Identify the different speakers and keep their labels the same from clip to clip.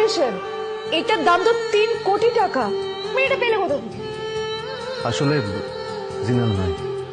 Speaker 1: Congratulation, এটার দাম তো 3 কোটি টাকা। তুমি এটা পেলে কোথা থেকে?
Speaker 2: আসলে জিনাল নয়,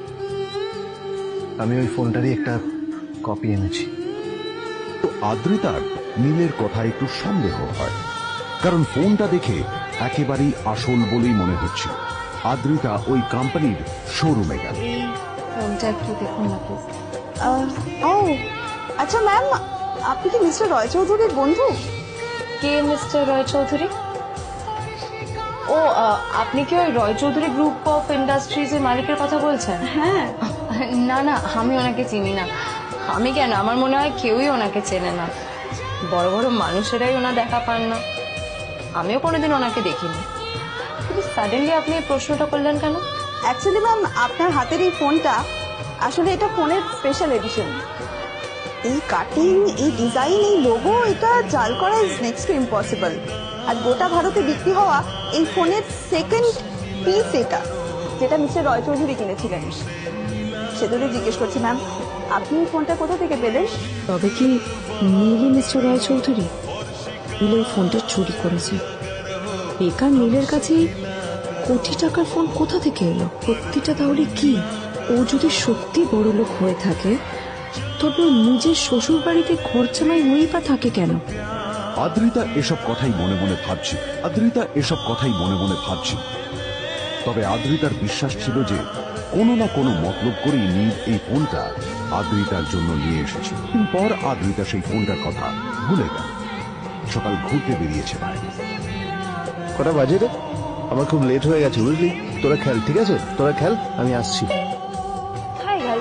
Speaker 2: আমি ওই ফোনটারই একটা কপি এনেছি।
Speaker 3: তো আদ্রিতার নীলের কথা একটু সন্দেহ হয়, কারণ ফোনটা দেখে একেবারেই আসল বলেই মনে হচ্ছে। আদ্রিতা ওই কোম্পানির শোরুমে গেল।
Speaker 1: এই ফোনটা একটু দেখুন না প্লিজ।
Speaker 4: ও আচ্ছা ম্যাম, আপনি কি মিস্টার রয় চৌধুরীর বন্ধু?
Speaker 1: কে মিস্টার রয় চৌধুরী? ও আপনি কি ওই Roy Chowdhury group of industries এর মালিকের কথা বলছেন?
Speaker 4: হ্যাঁ।
Speaker 1: না না, আমি ওনাকে চিনি না। আমি কেন, আমার মনে হয় কেউই ওনাকে চেনে না। বড় বড় মানুষেরাই ওনা দেখা পান না। আমিও কোনোদিন ওনাকে দেখিনি। কিন্তু সাডেনলি আপনি এই প্রশ্নটা করলেন কেন?
Speaker 4: অ্যাকচুয়ালি ম্যাম, আপনার হাতের এই ফোনটা আসলে এটা ফোনের স্পেশাল এডিশন। এই কাটিং, এই ডিজাইন, এই লোগো, এটা জাল করা ইজ নেক্সট টু ইম্পসিবল। আর গোটা ভারতে বিক্রি হওয়া এই ফোনের সেকেন্ড পিস এটা, যেটা মিস্টার রয় চৌধুরী কিনেছিলেন। সেজন্য জিজ্ঞেস করছি ম্যাম, আপনি এই ফোনটা কোথা থেকে পেলেন?
Speaker 5: তবে কি নীলই মিস্টার রয় চৌধুরী? নীল এই ফোনটা চুরি করেছে। বেকার নীলের কাছে কোটি টাকার ফোন কোথা থেকে এলো? সত্যিটা তাহলে কি? ও যদি সত্যি বড় লোক হয়ে থাকে, তবে ও নিজের শ্বশুর বাড়িতে খরচামাই হয়েই বা থাকে কেন?
Speaker 3: আদ্রিতা এসব কথাই মনে মনে ভাবছে। তবে আদ্রিতার বিশ্বাস ছিল যে কোনো না কোনো মতলব করেই নীল এই ফোনটা আদ্রিতার জন্য নিয়ে এসেছে। পর আদ্রিতা সেই ফোনটার কথা ভুলে গেল। সকাল ঘুরতে বেরিয়েছে বাইরে।
Speaker 2: কটা বাজে রে? আমার খুব লেট হয়ে গেছে, বুঝলি? তোরা খেল, ঠিক আছে? তোরা খেল, আমি আসছি।
Speaker 1: হাই গেল।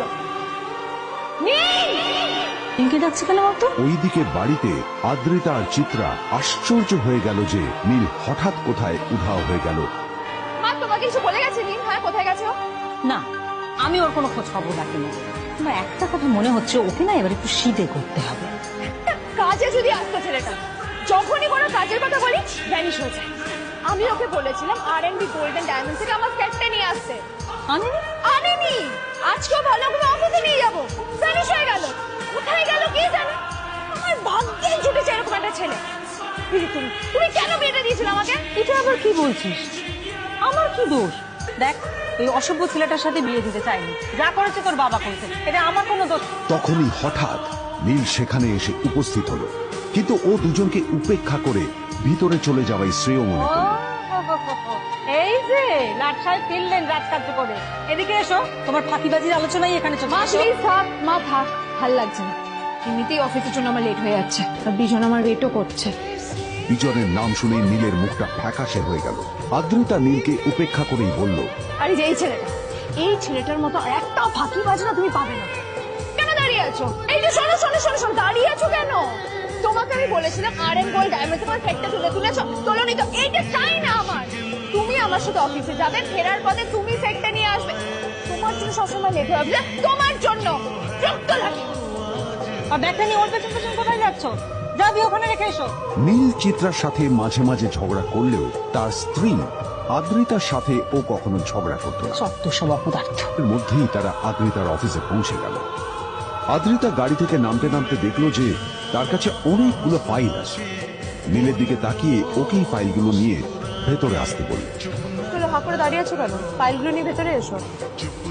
Speaker 5: নীলকে ডাকছে কেন বলতো?
Speaker 3: ওইদিকে বাড়িতে আদ্রিতা আর চিত্রা আশ্চর্য হয়ে গেল যে নীল হঠাৎ কোথায় উধাও হয়ে গেল।
Speaker 1: মা তোমাকে কিছু বলে গেছে নীল? হ্যাঁ, কোথায় গেছে ও?
Speaker 6: না, আমি ওর কোনো খোঁজ খবর রাখিনি। আমার একটা কথা মনে হচ্ছে, ওকে না এবার একটু শীতে করতে হবে।
Speaker 1: কাজে যদি আসতো ছেলেটা, যখনই কোনো কাজের কথা বলি ভ্যানিশ হয়ে যায়। আমি ওকে বলেছিলাম R&B গোল্ড এন্ড ডায়মন্ড থেকে আমার সেটটা নিয়ে আসতে, আনেনি। আজকেও ভালো করে অফিসে নিয়ে যাবো, ভ্যানিশ হয়ে গেল। কোথায় গেল কে জানে? আমার ভাগ্যে জুটেছে এরকম একটা ছেলে। তুমি কেন বিয়েটা দিয়েছিলে আমাকে?
Speaker 6: এটা আবার কি বলছিস? আমার কি দোষ? দেখ, এই অসভ্য ছেলেটার সাথে বিয়ে দিতে চাইনি। যা করেছে তোর বাবা করেছে, এটা আমার কোনো দোষ।
Speaker 3: তখনই হঠাৎ নীল সেখানে এসে উপস্থিত হলো, কিন্তু ও দুজনকে উপেক্ষা করে ভিতরে চলে যাওয়াই শ্রেয় মনে করল।
Speaker 6: এই যে লাট সাহেব ফিরলেন রাত কার্য করে, এদিকে এসো। তোমার ফাঁকিবাজির আলোচনাই এখানে চলছে।
Speaker 1: মা প্লিজ থাক, মা থাক, ভাল লাগছে না। এমনিতেই অফিসের জন্য আমার লেট হয়ে যাচ্ছে, আর বিজন আমার ওয়েটও করছে।
Speaker 3: বিজনের নাম শুনে নীলের মুখটা ফ্যাকাশে হয়ে গেল। আদ্রিতা নীলকে উপেক্ষা করেই বলল,
Speaker 1: আরে যে এই ছেলেটার মতো আর একটাও ফাঁকিবাজ না তুমি পাবে না। কেন দাঁড়িয়ে আছো? এই যে শোনো শোনো শোনো শোনো, দাঁড়িয়ে আছো কেন? তোমাকে আমি বলেছিলাম R&B গোল্ড ডায়মন্ড তোমার সেটটা তুলেছো, তোলোনি তো। এইটা চাই না আমার। তুমি আমার সাথে অফিসে যাবে, ফেরার পথে তুমি সেটটা নিয়ে আসবে। তোমার জন্য সবসময় লেট হয়ে যাবে, তোমার জন্য বিরক্ত লাগে।
Speaker 6: আর ব্যাগটা নিয়ে ওর পেছন পেছন কোথায় যাচ্ছ? যাবি ওখানে রেখে এসো।
Speaker 3: নীল চিত্রার সাথে মাঝে মাঝে ঝগড়া করলেও তার স্ত্রী আদ্রিতার সাথে ও কখনো ঝগড়া করত না।
Speaker 6: সত্য সব অপদার্থ।
Speaker 3: এর মধ্যেই তারা আদ্রিতার অফিসে পৌঁছে গেল। আদ্রিতা গাড়ি থেকে নামতে নামতে দেখলো যে তার কাছে অনেকগুলো ফাইল আছে। নীলের দিকে তাকিয়ে ওকেই ফাইলগুলো নিয়ে ভেতরে আসতে বলল।
Speaker 1: হাঁ করে দাঁড়িয়ে আছো কেন? ফাইলগুলো নিয়ে ভেতরে এসো।